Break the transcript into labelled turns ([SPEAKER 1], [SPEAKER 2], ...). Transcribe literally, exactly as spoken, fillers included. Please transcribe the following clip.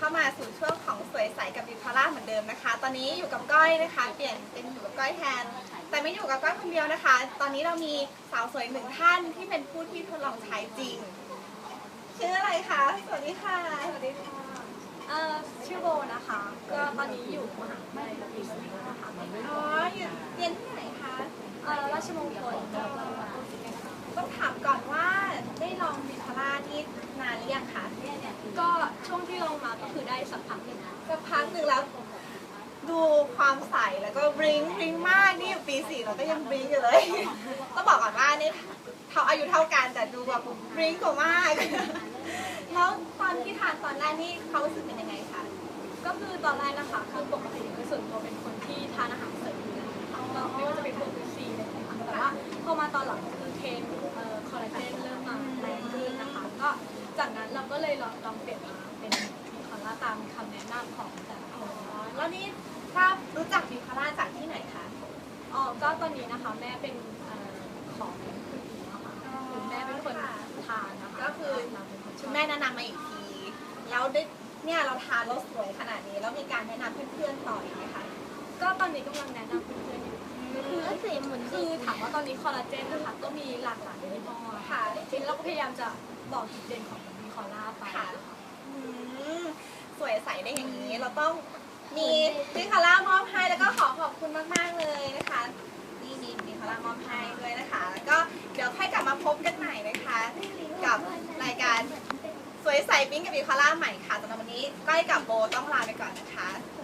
[SPEAKER 1] ามาสู่ช่วงของสวยใสกับบิวคาร่าเหมือนเดิมนะคะตอนนี้อยู่กับก้อยนะคะเปลี่ยนเป็นอยู่กับก้อยแทนแต่ไม่อยู่กับก้อยคนเดียวนะคะตอนนี้เรามีสาวสวยหนึ่งท่านที่เป็นผู้ที่ทดลองใช้จริงชื่ออะไรคะสวัสดีค่ะ
[SPEAKER 2] สวัสดีค่ะเอ่อชื่อโบนะคะก็ตอนนี้อยู่มหาวิทยาลัยปีสี่นะคะ
[SPEAKER 1] อ๋ออยู่เรียนที่ไหนคะ
[SPEAKER 2] เอ่อราชมงคล
[SPEAKER 1] ต้องถามก่อนว่าได้ลองบิวคาร่านี่นานหรือยังคะ
[SPEAKER 2] ก็ช่วงที่ลองมาก็คือได้สักพักหนึ่ง
[SPEAKER 1] สักพักหนึ่งแล้วดูความใสแล้วก็บลิงบลิงมากนี่อยู่ปีสี่เราก็ยังบลิงอยู่เลยต้องบอกก่อนว่านี่เขาอายุเท่ากันแต่ดูแบบบลิงกว่ามากแล้วตอนที่ทานตอนแรกนี่เขารู้สึกเป็นยังไงคะ
[SPEAKER 2] ก็คือตอนแรกนะคะคือปกติโดยส่วนตัวเป็นคนที่ทานอาหารเสริมอยู่แล้วนะคะไม่ว่าจะเป็นพวกวิตามินอะไรนะคะแต่ว่าพอมาตอนหลังคือเทรนคอลลาเจนเริ่มมาแรงขึ้นนะคะก็จากนั้นเราก็เลยลองลองเปลี่ยนมาเป็นบิวคาร่าตามคำแนะนำของแต่ละคน
[SPEAKER 1] แล้วนี่ทราบรู้จักบิวคาร่าจากที่ไหนคะ
[SPEAKER 2] อ๋อก็ตอนนี้นะคะแม่เป็นของคุณอีนะคะคุณแม่เป็นคนทานนะคะ
[SPEAKER 1] ก็คือคุณแม่แนะนำมาอีกทีแล้วได้เนี่ยเราทานแล้วสวยขนาดนี้แล้วมีการแนะนำเพื่อนๆต่ออีกไหมคะ
[SPEAKER 2] ก็ตอนนี้กำลังแนะนำเพื่อนๆอยู่คือคือถามว่าตอนนี้คอลลาเจนนะคะก็มีหลากหลายยี่ห้อค่ะทีนี้เราก็พยายามจะบอกจุดเด่นของบิวคาร่าไป
[SPEAKER 1] สวยใสได้อย่างนี้เราต้องมีบิวคาร่ามอบให้แล้วก็ขอขอบคุณมากๆเลยนะคะนี่มีบิวคาร่ามอบให้ด้วยนะคะแล้วก็เดี๋ยวค่อยกลับมาพบกันใหม่นะคะกับรายการสวยใสปิ๊งกับบิวคาร่าใหม่ค่ะสำหรับวันนี้ก้อยกับโบต้องลาไปก่อนนะคะ